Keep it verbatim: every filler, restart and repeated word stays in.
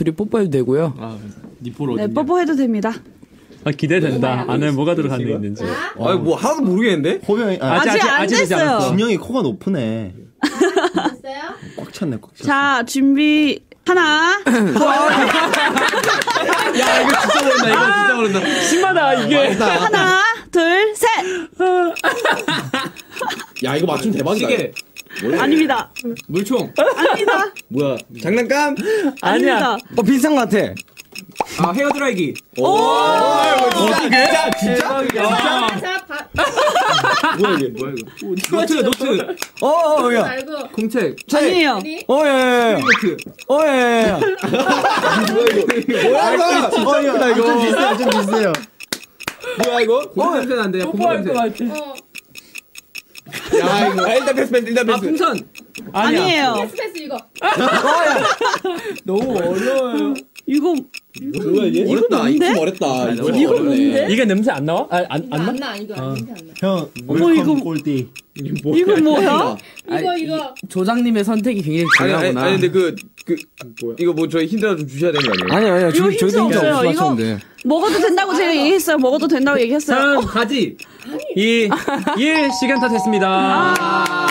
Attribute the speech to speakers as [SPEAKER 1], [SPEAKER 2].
[SPEAKER 1] 둘이 뽀뽀해도 되고요.
[SPEAKER 2] 아, 니뽀로
[SPEAKER 3] 네, 뽀뽀해도 됩니다.
[SPEAKER 4] 아, 기대된다. 안에 뭐가 들어간 게 있는지.
[SPEAKER 5] 어. 아니, 뭐 하나도 모르겠는데?
[SPEAKER 6] 호명이, 아,
[SPEAKER 3] 아직, 아직 안 됐어요.
[SPEAKER 6] 진영이 코가 높으네.
[SPEAKER 7] 됐어요?
[SPEAKER 6] 꽉 찼네, 꽉 찼어.
[SPEAKER 3] 자, 준비. 하나.
[SPEAKER 5] 야, 이거 진짜 모른다, 이거 진짜 모른다.
[SPEAKER 4] 심하다, 이게.
[SPEAKER 3] 하나, 둘, 셋.
[SPEAKER 5] 야, 이거 맞추면 대박이다.
[SPEAKER 2] 시계.
[SPEAKER 3] 아닙니다.
[SPEAKER 2] 물총.
[SPEAKER 3] 아닙니다.
[SPEAKER 5] 뭐야, 장난감?
[SPEAKER 3] 아닙니다.
[SPEAKER 6] 어, 비슷한 것 같아.
[SPEAKER 2] 아, 헤어드라이기.
[SPEAKER 3] 오!
[SPEAKER 5] 진짜? 진짜?
[SPEAKER 7] 자, 바,
[SPEAKER 5] 뭐야, 이게?
[SPEAKER 2] 뭐야, 이거. 노트, 노트.
[SPEAKER 6] 어, 어, 야.
[SPEAKER 7] 말고.
[SPEAKER 2] 공책.
[SPEAKER 3] 아니에요.
[SPEAKER 7] 우리
[SPEAKER 6] 어, 야, 야, 야.
[SPEAKER 2] 노트.
[SPEAKER 6] 어, 야, 야, 야.
[SPEAKER 5] 뭐야, 이거?
[SPEAKER 6] 어, 이거. 좀 비슷해요, 좀 비슷해요.
[SPEAKER 5] 뭐야, 이거?
[SPEAKER 2] 고기 냄새 난대요, 고기 냄새.
[SPEAKER 7] 어.
[SPEAKER 5] 야, 이거. 아, 일단 패스, 패스, 일단
[SPEAKER 2] 아,
[SPEAKER 5] 패스.
[SPEAKER 2] 풍선.
[SPEAKER 3] 아니에요.
[SPEAKER 7] 패스 패스 이거.
[SPEAKER 2] 너무 어려워요.
[SPEAKER 3] 이거
[SPEAKER 5] 뭐야, 이게? 어렵다.
[SPEAKER 3] 뭔데?
[SPEAKER 5] 이거 어렵다.
[SPEAKER 2] 이거
[SPEAKER 3] 이거 뭔데?
[SPEAKER 4] 이게 냄새 안 나와? 아, 안,
[SPEAKER 7] 이거
[SPEAKER 4] 안 나?
[SPEAKER 7] 안 나. 이거 안 냄새 안 나.
[SPEAKER 6] 형,
[SPEAKER 3] 어머,
[SPEAKER 6] 웰컴
[SPEAKER 3] 이거-
[SPEAKER 6] 꼴띠.
[SPEAKER 3] 이거 뭐야?
[SPEAKER 7] 이거 이거.
[SPEAKER 1] 조장님의 선택이 굉장히
[SPEAKER 5] 아니, 아니,
[SPEAKER 1] 중요하구나.
[SPEAKER 5] 아니, 근데 그, 그, 이거 뭐 저희 힌트 하나 좀 주셔야 되는 거 아니에요?
[SPEAKER 1] 아니 아니요.
[SPEAKER 3] 이거
[SPEAKER 1] 저,
[SPEAKER 3] 힌트
[SPEAKER 1] 저희도 혼자
[SPEAKER 3] 없어요.
[SPEAKER 1] 없어
[SPEAKER 3] 이거
[SPEAKER 1] 맞췄는데.
[SPEAKER 3] 먹어도 된다고 제가 얘기했어요. 먹어도 된다고 얘기했어요.
[SPEAKER 4] 삼, 가지. 이, 일, 시간 다 됐습니다.
[SPEAKER 3] 아,